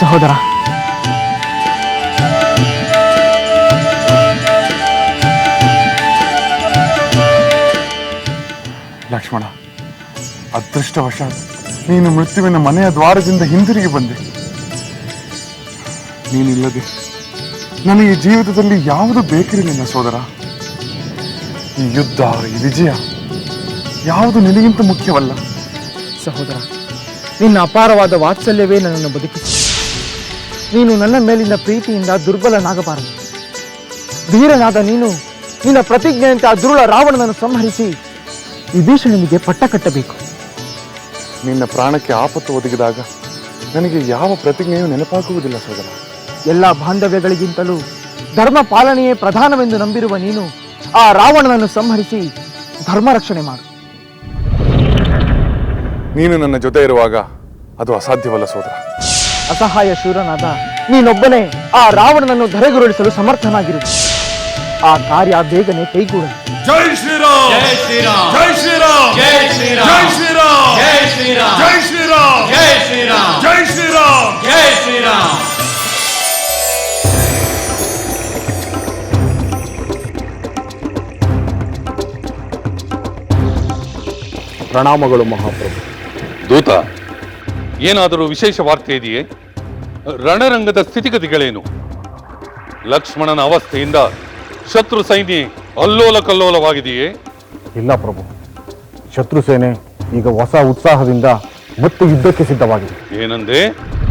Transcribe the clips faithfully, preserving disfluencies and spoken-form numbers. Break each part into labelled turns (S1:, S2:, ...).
S1: ಸಹೋದರ.
S2: ಲಕ್ಷ್ಮಣ, ಅದೃಷ್ಟವಶಾತ್ ನೀನು ಮೃತ್ಯುವಿನ ಮನೆಯ ದ್ವಾರದಿಂದ ಹಿಂದಿರುಗಿ ಬಂದೆ. ನೀನಿಲ್ಲದೆ ನನಗೆ ಜೀವಿತದಲ್ಲಿ ಯಾವುದು ಬೇಕಿರಲಿಲ್ಲ ಸೋದರ. ಈ ಯುದ್ಧ, ಈ ವಿಜಯ ಯಾವುದು ನಿನಗಿಂತ ಮುಖ್ಯವಲ್ಲ.
S1: ಸಹೋದರ, ನಿನ್ನ ಅಪಾರವಾದ ವಾತ್ಸಲ್ಯವೇ ನನ್ನನ್ನು ಬದುಕಿಸಿ. ನೀನು ನನ್ನ ಮೇಲಿನ ಪ್ರೀತಿಯಿಂದ ದುರ್ಬಲನಾಗಬಾರದು. ಧೀರನಾದ ನೀನು ನಿನ್ನ ಪ್ರತಿಜ್ಞೆಯಂತೆ ಆ ದುರುಳ ರಾವಣನನ್ನು ಸಂಹರಿಸಿ ವಿಭೀಷಣನಿಗೆ ಪಟ್ಟ ಕಟ್ಟಬೇಕು.
S2: ನಿನ್ನ ಪ್ರಾಣಕ್ಕೆ ಆಪತ್ತು ಒದಗಿದಾಗ ನನಗೆ ಯಾವ ಪ್ರತಿಜ್ಞೆಯೂ ನೆನಪಾಗುವುದಿಲ್ಲ ಸೋದರ.
S1: ಎಲ್ಲ ಬಾಂಧವ್ಯಗಳಿಗಿಂತಲೂ ಧರ್ಮ ಪಾಲನೆಯೇ ಪ್ರಧಾನವೆಂದು ನಂಬಿರುವ ನೀನು ಆ ರಾವಣನನ್ನು ಸಂಹರಿಸಿ ಧರ್ಮ ರಕ್ಷಣೆ ಮಾಡು.
S2: ನೀನು ನನ್ನ ಜೊತೆ ಇರುವಾಗ ಅದು ಅಸಾಧ್ಯವಲ್ಲ ಸೋದರ.
S1: ಅಸಹಾಯ ಶೂರನಾದ ನೀನೊಬ್ಬನೇ ಆ ರಾವಣನನ್ನು ಧರೆಗುರುಳಿಸಲು ಸಮರ್ಥನಾಗಿರು. ಆ ಕಾರ್ಯ ಬೇಗನೆ ಕೈಗೂಡಲಿ.
S3: ಜೈ ಶ್ರೀರಾಮ್, ಜೈ ಶ್ರೀರಾಮ್, ಜೈ ಶ್ರೀರಾಮ್, ಜೈ ಶ್ರೀರಾಮ್, ಜೈ ಶ್ರೀರಾಮ್, ಜೈ ಶ್ರೀರಾಮ್, ಜೈ ಶ್ರೀರಾಮ್, ಜೈ ಶ್ರೀರಾಮ್, ಜೈ ಶ್ರೀರಾಮ್, ಜೈ ಶ್ರೀರಾಮ್.
S4: ಪ್ರಣಾಮಗಳು ಮಹಾಪ್ರಭು.
S5: ದೂತ, ಏನಾದರೂ ವಿಶೇಷ ವಾರ್ತೆ ಇದೆಯೇ? ರಣರಂಗದ ಸ್ಥಿತಿಗತಿಗಳೇನು? ಲಕ್ಷ್ಮಣನ ಅವಸ್ಥೆಯಿಂದ ಶತ್ರು ಸೈನ್ಯ ಅಲ್ಲೋಲ ಕಲ್ಲೋಲವಾಗಿದೆಯೇ?
S4: ಇಲ್ಲ ಪ್ರಭು, ಶತ್ರು ಸೇನೆ ಈಗ ಹೊಸ ಉತ್ಸಾಹದಿಂದ ಮತ್ತೆ ಯುದ್ಧಕ್ಕೆ ಸಿದ್ಧವಾಗಿದೆ.
S5: ಏನಂದೆ?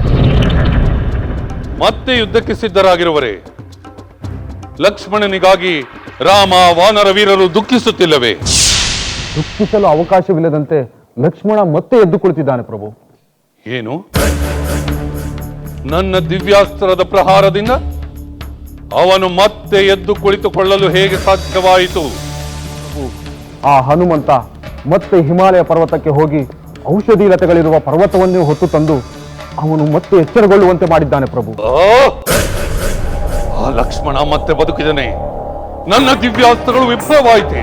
S5: ಮತ್ತೆ ಯುದ್ಧಕ್ಕೆ ಸಿದ್ಧರಾಗಿರುವರೆ? ಲಕ್ಷ್ಮಣನಿಗಾಗಿ ರಾಮ ವಾನರ ವೀರರು ದುಃಖಿಸುತ್ತಿಲ್ಲವೇ?
S4: ದುಃಖಿಸಲು ಅವಕಾಶವಿಲ್ಲದಂತೆ ಲಕ್ಷ್ಮಣ ಮತ್ತೆ ಎದ್ದು ಕುಳಿತಿದ್ದಾನೆ ಪ್ರಭು.
S5: ಏನು? ನನ್ನ ದಿವ್ಯಾಸ್ತ್ರದ ಪ್ರಹಾರದಿಂದ ಅವನು ಮತ್ತೆ ಎದ್ದು ಕುಳಿತುಕೊಳ್ಳಲು ಹೇಗೆ ಸಾಧ್ಯವಾಯಿತು?
S4: ಆ ಹನುಮಂತ ಮತ್ತೆ ಹಿಮಾಲಯ ಪರ್ವತಕ್ಕೆ ಹೋಗಿ ಔಷಧಿ ಲತೆಗಳಿರುವ ಪರ್ವತವನ್ನೇ ಹೊತ್ತು ತಂದು ಅವನು ಮತ್ತೆ ಎಚ್ಚರಗೊಳ್ಳುವಂತೆ ಮಾಡಿದ್ದಾನೆ ಪ್ರಭು.
S5: ಆ ಲಕ್ಷ್ಮಣ ಮತ್ತೆ ಬದುಕಿದನೆ. ನನ್ನ ದಿವ್ಯಾಸ್ತ್ರಗಳು ವಿಫಲವಾಯಿತೆ.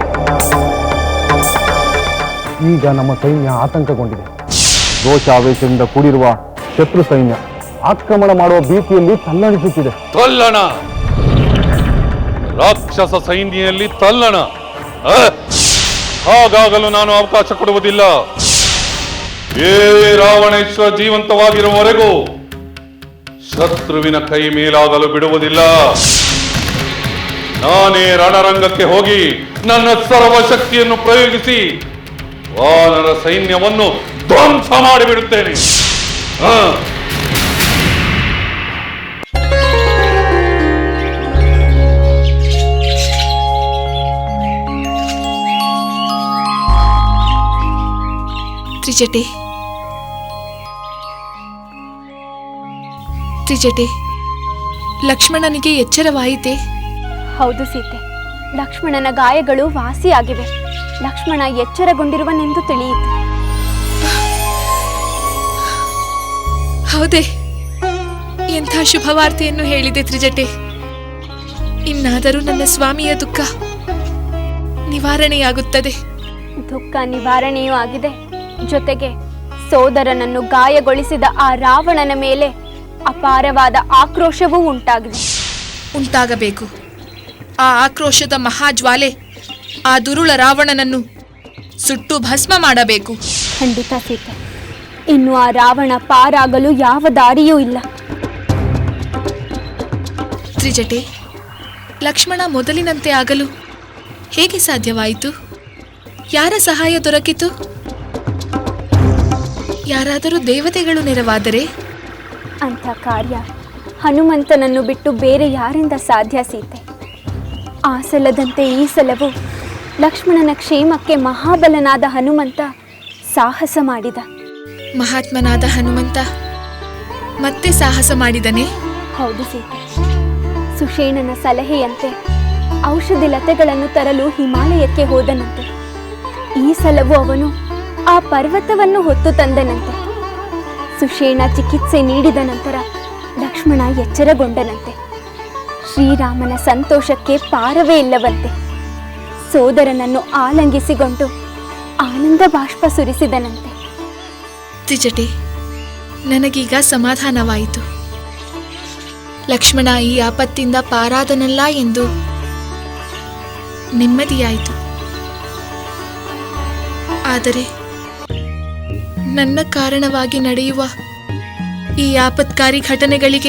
S4: ಈಗ ನಮ್ಮ ಸೈನ್ಯ ಆತಂಕಗೊಂಡಿದೆ. ರೋಷಾವೇಶದಿಂದ ಕೂಡಿರುವ ಶತ್ರು ಸೈನ್ಯ ಆಕ್ರಮಣ ಮಾಡುವ ಭೀತಿಯಲ್ಲಿ ತಲ್ಲಣಿಸುತ್ತಿದೆ.
S5: ತಲ್ಲಣ? ರಾಕ್ಷಸ ಸೈನ್ಯದಲ್ಲಿ ತಲ್ಲಣ? ಹಾಗಾಗಲು ನಾನು ಅವಕಾಶ ಕೊಡುವುದಿಲ್ಲ. ಏ ರಾವಣೇಶ್ವರ ಜೀವಂತವಾಗಿರುವವರೆಗೂ ಶತ್ರುವಿನ ಕೈ ಮೇಲಾಗಲು ಬಿಡುವುದಿಲ್ಲ. ನಾನೇ ರಣರಂಗಕ್ಕೆ ಹೋಗಿ ನನ್ನ ಸರ್ವಶಕ್ತಿಯನ್ನು ಪ್ರಯೋಗಿಸಿ ವಾನರ ಸೈನ್ಯವನ್ನು ಧ್ವಂಸ ಮಾಡಿಬಿಡುತ್ತೇನೆ.
S6: ತ್ರಿಜಟೆ, ತ್ರಿಜಟೆ, ಲಕ್ಷ್ಮಣನಿಗೆ ಎಚ್ಚರವಾಯಿತೆ?
S7: ಹೌದು ಸೀತೆ, ಲಕ್ಷ್ಮಣನ ಗಾಯಗಳು ವಾಸಿಯಾಗಿವೆ. ಲಕ್ಷ್ಮಣ ಎಚ್ಚರಗೊಂಡಿರುವನೆಂದು ತಿಳಿಯಿತು.
S6: ಹೌದೇ? ಎಂಥ ಶುಭವಾರ್ತೆಯನ್ನು ಹೇಳಿದೆ ತ್ರಿಜಟೆ. ಇನ್ನಾದರೂ ನನ್ನ ಸ್ವಾಮಿಯ ದುಃಖ ನಿವಾರಣೆಯಾಗುತ್ತದೆ.
S7: ದುಃಖ ನಿವಾರಣೆಯೂ ಆಗಿದೆ. ಜೊತೆಗೆ ಸೋದರನನ್ನು ಗಾಯಗೊಳಿಸಿದ ಆ ರಾವಣನ ಮೇಲೆ ಅಪಾರವಾದ ಆಕ್ರೋಶವೂ ಉಂಟಾಗಿದೆ.
S6: ಉಂಟಾಗಬೇಕು. ಆ ಆಕ್ರೋಶದ ಮಹಾಜ್ವಾಲೆ ಆ ದುರುಳ ರಾವಣನನ್ನು ಸುಟ್ಟು ಭಸ್ಮ ಮಾಡಬೇಕು.
S7: ಖಂಡಿತ ಸೀತೆ, ಇನ್ನು ಆ ರಾವಣ ಪಾರಾಗಲು ಯಾವ ದಾರಿಯೂ ಇಲ್ಲ.
S6: ತ್ರಿಜಟೆ, ಲಕ್ಷ್ಮಣ ಮೊದಲಿನಂತೆ ಆಗಲು ಹೇಗೆ ಸಾಧ್ಯವಾಯಿತು? ಯಾರ ಸಹಾಯ ದೊರಕಿತು? ಯಾರಾದರೂ ದೇವತೆಗಳು ನೆರವಾದರೆ?
S7: ಅಂಥ ಕಾರ್ಯ ಹನುಮಂತನನ್ನು ಬಿಟ್ಟು ಬೇರೆ ಯಾರಿಂದ ಸಾಧ್ಯ ಸೀತೆ? ಆ ಸಲದಂತೆ ಈ ಸಲವೂ ಲಕ್ಷ್ಮಣನ ಕ್ಷೇಮಕ್ಕೆ ಮಹಾಬಲನಾದ ಹನುಮಂತ ಸಾಹಸ ಮಾಡಿದ.
S6: ಮಹಾತ್ಮನಾದ ಹನುಮಂತ ಮತ್ತೆ ಸಾಹಸ ಮಾಡಿದನೇ?
S7: ಹೌದು ಸೀತೆ. ಸುಷೇಣನ ಸಲಹೆಯಂತೆ ಔಷಧಿ ಲತೆಗಳನ್ನು ತರಲು ಹಿಮಾಲಯಕ್ಕೆ ಹೋದನಂತೆ. ಈ ಸಲವೂ ಅವನು ಆ ಪರ್ವತವನ್ನು ಹೊತ್ತು ತಂದನಂತೆ. ಸುಷೇಣ ಚಿಕಿತ್ಸೆ ನೀಡಿದ ನಂತರ ಲಕ್ಷ್ಮಣ ಎಚ್ಚರಗೊಂಡನಂತೆ. ಶ್ರೀರಾಮನ ಸಂತೋಷಕ್ಕೆ ಪಾರವೇ ಇಲ್ಲವಂತೆ. ಸೋದರನನ್ನು ಆಲಂಗಿಸಿಕೊಂಡು ಆನಂದ ಬಾಷ್ಪ ಸುರಿಸಿದನಂತೆ.
S6: ತ್ರಿಜಟೆ, ನನಗೀಗ ಸಮಾಧಾನವಾಯಿತು. ಲಕ್ಷ್ಮಣ ಈ ಆಪತ್ತಿಂದ ಪಾರಾದನಲ್ಲ ಎಂದು ನೆಮ್ಮದಿಯಾಯಿತು. ಆದರೆ ನನ್ನ ಕಾರಣವಾಗಿ ನಡೆಯುವ ಈ ಆಪತ್ಕಾರಿ ಘಟನೆಗಳಿಗೆ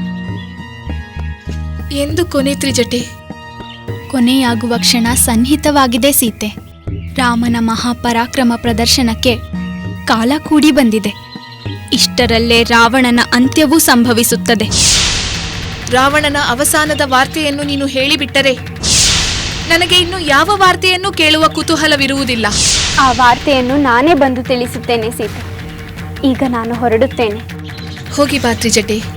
S6: ಎಂದು ಕೊನೆ ತ್ರಿಜಟೆ?
S8: ಕೊನೆಯಾಗುವ ಕ್ಷಣ ಸನ್ನಿಹಿತವಾಗಿದೆ ಸೀತೆ. ರಾಮನ ಮಹಾಪರಾಕ್ರಮ ಪ್ರದರ್ಶನಕ್ಕೆ ಕಾಲ ಕೂಡಿ ಬಂದಿದೆ. ಇಷ್ಟರಲ್ಲೇ ರಾವಣನ ಅಂತ್ಯವೂ ಸಂಭವಿಸುತ್ತದೆ.
S6: ರಾವಣನ ಅವಸಾನದ ವಾರ್ತೆಯನ್ನು ನೀನು ಹೇಳಿಬಿಟ್ಟರೆ ನನಗೆ ಇನ್ನು ಯಾವ ವಾರ್ತೆಯನ್ನು ಕೇಳುವ ಕುತೂಹಲವಿರುವುದಿಲ್ಲ.
S7: ಆ ವಾರ್ತೆಯನ್ನು ನಾನೇ ಬಂದು ತಿಳಿಸುತ್ತೇನೆ ಸೀತೆ. ಈಗ ನಾನು ಹೊರಡುತ್ತೇನೆ.
S6: ಹೋಗಿ ಬಾ ತ್ರಿಜಟೆ.